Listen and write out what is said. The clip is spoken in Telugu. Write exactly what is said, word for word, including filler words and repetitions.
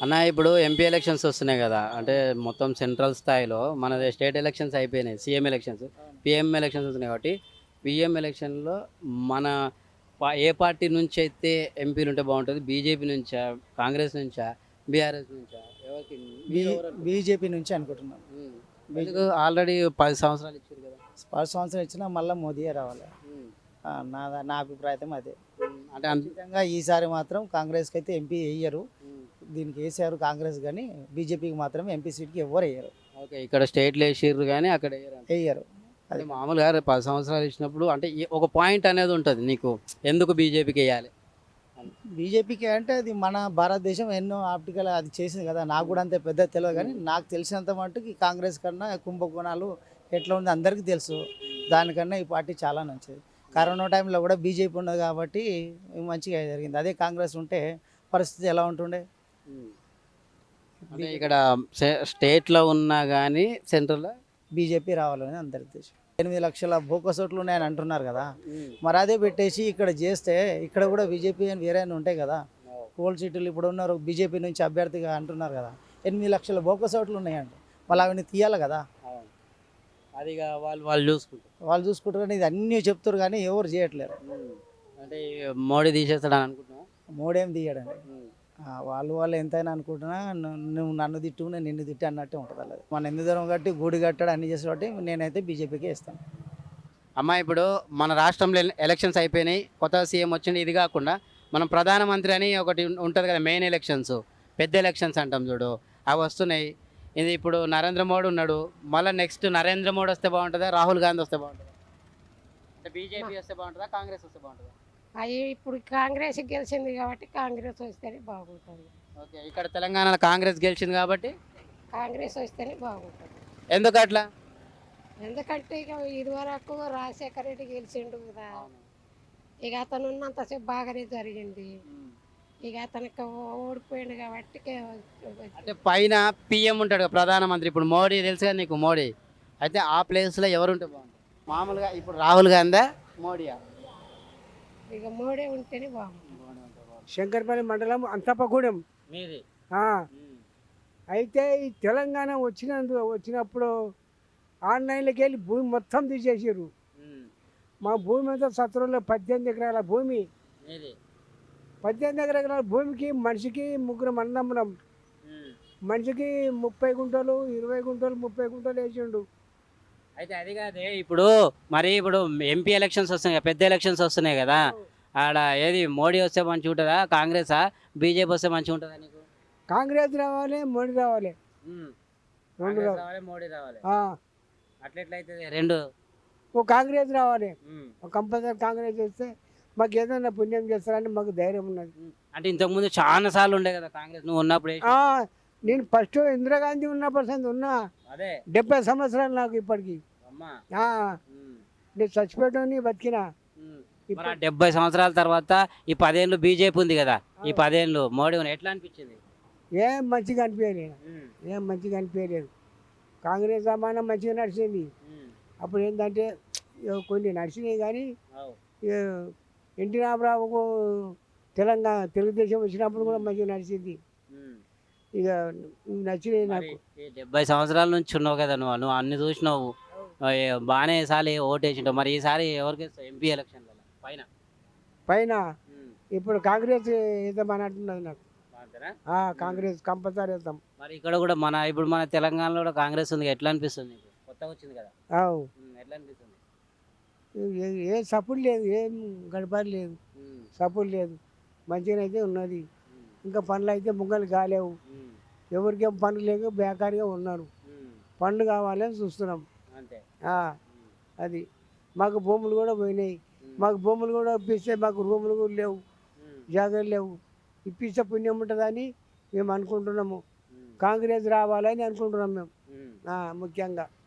అన్న ఇప్పుడు ఎంపీ ఎలక్షన్స్ వస్తున్నాయి కదా అంటే మొత్తం సెంట్రల్ స్థాయిలో మన స్టేట్ ఎలక్షన్స్ అయిపోయినాయి సీఎం ఎలక్షన్స్ పిఎం ఎలక్షన్స్ వస్తున్నాయి కాబట్టి పిఎం ఎలక్షన్లో మన పా- ఏ పార్టీ నుంచి అయితే ఎంపీలు ఉంటే బాగుంటుంది బీజేపీ నుంచా కాంగ్రెస్ నుంచా బీఆర్ఎస్ నుంచా ఎవరికి బీ మీరు ఎవరు అనుకుంటున్నారు? బీజేపీ నుంచి అనుకుంటున్నాను. ఉమ్. ఎందుకు ఆల్రెడీ పది సంవత్సరాలు ఇచ్చారు కదా. పది సంవత్సరం ఇచ్చినా మళ్ళీ మోదీయే రావాలి. ఉమ్. ఆ, నా నా అభిప్రాయం అదే. ఉమ్. అంటే అన్- ఖచ్చితంగా ఈసారి మాత్రం కాంగ్రెస్కి అయితే ఎంపీ వేయరు. ఉమ్. దీనికి వేసారు కాంగ్రెస్, కానీ బీజేపీకి మాత్రం ఎంపీ సీట్కి ఎవరు వేయరు. ఓకే ఇక్కడ స్టేట్లో వేసిర్రు కానీ అక్కడ వేయరు అంట. వేయరు. అది మామూలుగా రేపు పది సంవత్సరాలు ఇచ్చినప్పుడు అంటే ఈ- ఒక పాయింట్ అనేది ఉంటుంది నీకు ఎందుకు బీజేపీకి వేయాలి అని. బీజేపీకి అంటే అది మన భారతదేశం ఎన్నో ఆప్టికల్ అది చేసింది కదా. నాకు కూడా అంత పెద్ద తెలియదు, కానీ నాకు తెలిసినంత మట్టుకు కాంగ్రెస్ కన్నా కుంభకోణాలు ఎట్లా ఉంది అందరికీ తెలుసు. దానికన్నా ఈ పార్టీ చాలా మంచిది. కరోనా టైంలో కూడా బీజేపీ ఉన్నది కాబట్టి మంచిగా జరిగింది. అదే కాంగ్రెస్ ఉంటే పరిస్థితి ఎలా ఉంటుండే. ఉమ్. అంటే ఇక్కడ స్టే- స్టేట్లో ఉన్నా కానీ సెంట్రల్లో బీజేపీ రావాలని అందరి ఉద్దేశం. ఎనిమిది లక్షల బోకస్ ఓట్లు ఉన్నాయని అంటున్నారు కదా. మరి అదే పెట్టేసి ఇక్కడ చేస్తే ఇక్కడ కూడా బీజేపీ అని వేరే ఉంటాయి కదా. కోల్ సీట్లు ఇప్పుడు ఉన్నారు బీజేపీ నుంచి అభ్యర్థిగా అంటున్నారు కదా. ఎనిమిది లక్షల బోకస్ ఓట్లు ఉన్నాయండి. వాళ్ళు అవన్నీ తీయాలి కదా. అవును. అది ఇక వాళ్ళు వాళ్ళు చూసుకుంటారు. వాళ్ళు చూసుకుంటారు కానీ ఇది అన్నీ చెప్తారు కానీ ఎవరు చేయట్లేరు. ఉమ్. అంటే ఈ మోడీ తీసేస్తాడని అనుకుంటున్నావా? మోడేం తీయడండి. ఉమ్. ఆ, వాళ్ళు వాళ్ళు ఎంతైనా అనుకుంటున్నా ను- నువ్వు నన్ను తిట్టు నేను నిన్ను తిట్టి అన్నట్టే ఉంటుంది. అది మన ఎందు దూరం కట్టి గూడి కట్టాడు అన్ని చేసి కాబట్టి నేనైతే బీజేపీకి ఇస్తాను. అమ్మా ఇప్పుడు మన రాష్ట్రంలో ఎల- ఎలక్షన్స్ అయిపోయినాయి కొత్త సీఎం వచ్చింది ఇది కాకుండా మనం ప్రధానమంత్రి అని ఒకటి ఉం- ఉంటుంది కదా మెయిన్ ఎలక్షన్స్ పెద్ద ఎలక్షన్స్ అంటాం చూడు అవి వస్తున్నాయి. ఇది ఇప్పుడు నరేంద్ర మోడీ ఉన్నాడు మళ్ళీ నెక్స్ట్ నరేంద్ర మోడీ వస్తే బాగుంటుందా రాహుల్ గాంధీ వస్తే బాగుంటుందా అంటే బీజేపీ వస్తే బాగుంటుందా కాంగ్రెస్ వస్తే బాగుంటుందా? అవి ఇప్పుడు కాంగ్రెస్ గెలిచింది కాబట్టి కాంగ్రెస్ వస్తేనే బాగుంటుంది. ఓకే ఇక్కడ తెలంగాణలో కాంగ్రెస్ గెలిచింది కాబట్టి కాంగ్రెస్ వస్తేనే బాగుంటుంది. ఎందుకు అట్లా? ఎందుకంటే ఇక ఇదివరకు రాజశేఖర రెడ్డి గెలిచిండు కదా. ఇక అతను ఉన్నంతసేపు బాగానే జరిగింది. ఇక అతనికి ఓడిపోయింది కాబట్టి అంటే పైన పిఎం ఉంటాడు కదా, ప్రధానమంత్రి ఇప్పుడు మోడీ తెలుసు కదా నీకు మోడీ అయితే ఆ ప్లేస్లో ఎవరు ఉంటే బాగుంటుంది మామూలుగా ఇప్పుడు రాహుల్ గాంధీ మోడీయా? ఇక మోడీ ఉంటేనే బాగుంటుంది. శంకర్పల్లి మండలం అంతపగూడెం. మీది ఆ, అయితే ఈ తెలంగాణ వచ్చినందు వచ్చినప్పుడు ఆన్లైన్లోకి వెళ్ళి భూమి మొత్తం తీసేసారు. మా భూమి అంతా సత్రంలో పద్దెనిమిది ఎకరాల భూమి. మీది పద్దెనిమిది ఎకరాల భూమికి మనిషికి ముగ్గురు అన్నదమ్ములం. మనిషికి ముప్పై గుంటలు ఇరవై గుంటలు ముప్పై గుంటలు వేసిండు. అయితే అది కాదే ఇప్పుడు మరి ఇప్పుడు ఎంపీ ఎలక్షన్స్ వస్తున్నాయి కదా, పెద్ద ఎలక్షన్స్ వస్తున్నాయి కదా ఆడ ఏది మోడీ వస్తే మంచిగా ఉంటుందా కాంగ్రెసా బీజేపీ వస్తే మంచిగా ఉంటుందా నీకు? కాంగ్రెస్ రావాలి మోడీ రావాలి ఉమ్. రెండు కాంగ్రెస్ రావాలి. రావాలి మోడీ రావాలి ఆ, అట్లెట్లయితే రెండు ఓ కాంగ్రెస్ రావాలి. ఉమ్. కంపల్సరీ కాంగ్రెస్ వస్తే మాకు ఏదైనా పుణ్యం చేస్తారని మాకు ధైర్యం ఉన్నది. ఉమ్. అంటే ఇంతకుముందు చాలా సార్లు ఉండే కదా కాంగ్రెస్ నువ్వు ఉన్నప్పుడు ఆ, నేను ఫస్ట్ ఇందిరాగాంధీ ఉన్నప్పుడు సంది ఉన్నా. అదే డెబ్బై సంవత్సరాలు నాకు ఇప్పటికి. అమ్మా. ఆ, ఉమ్. నేను చచ్చిపోయాని బతికినా. ఉమ్. ఇప్పుడు- మరి ఆ డెబ్బై సంవత్సరాల తర్వాత ఈ పదేళ్ళు బీజేపీ ఉంది కదా ఈ పదేళ్ళు మోడీ ఉంది. ఎట్లా అనిపించింది? ఏం మంచిగా అనిపించలేదు. ఉమ్. ఏం మంచిగా అనిపించలేదు. కాంగ్రెస్ సమానం మంచిగా నడిచింది. ఉమ్. అప్పుడు ఏంటంటే ఇక కొన్ని నడిచినాయి కానీ అవు. ఇక ఎన్టీ రామారావుకు తెలంగాణ తెలుగుదేశం వచ్చినప్పుడు కూడా మంచిగా నడిచింది. ఉమ్. ఇక నచ్చినాయి మరి నాకు. ఈ డెబ్బై సంవత్సరాల నుంచి ఉన్నావు కదా నువ్వు నువ్వు అన్ని చూసినావు ఏ బాగానే సారి ఓటేసింటావు మరి ఈసారి ఎవరికి ఎంపీ ఎలక్షన్లలో పైన పైన ఉమ్. ఇప్పుడు కాంగ్రెస్ వేద్దామని అంటున్నది నాకు. అంతేనా? ఆ, కాంగ్రెస్ కంపల్సరీ వేద్దాం. మరి ఇక్కడ కూడా మన ఇప్పుడు మన తెలంగాణలో కూడా కాంగ్రెస్ ఉంది ఎట్లా అనిపిస్తుంది నీకు? కొత్తగా వచ్చింది కదా. అవు. ఉమ్. ఎట్లా అనిపిస్తుంది? ఏ- ఏ సపోర్ట్ లేదు, ఏం గడపడి లేదు, ఉమ్. సపోర్ట్ లేదు. మంచిగా అయితే ఉన్నది. ఉమ్. ఇంకా పనులు అయితే ముంగలు కాలేవు. ఉమ్. ఎవరికేం పనులు లేక బేకారిగా ఉన్నారు. ఉమ్. పనులు కావాలని చూస్తున్నాం. అంతే. ఆ, ఉమ్. అది మాకు భూములు కూడా పోయినాయి. ఉమ్. మాకు భూములు కూడా ఇప్పిస్తే మాకు రూములు కూడా లేవు, ఉమ్. జాగాలు లేవు. ఇప్పిస్తే పుణ్యం ఉంటుందని మేము అనుకుంటున్నాము. ఉమ్. కాంగ్రెస్ రావాలని అనుకుంటున్నాం మేము. ఉమ్. ఆ, ముఖ్యంగా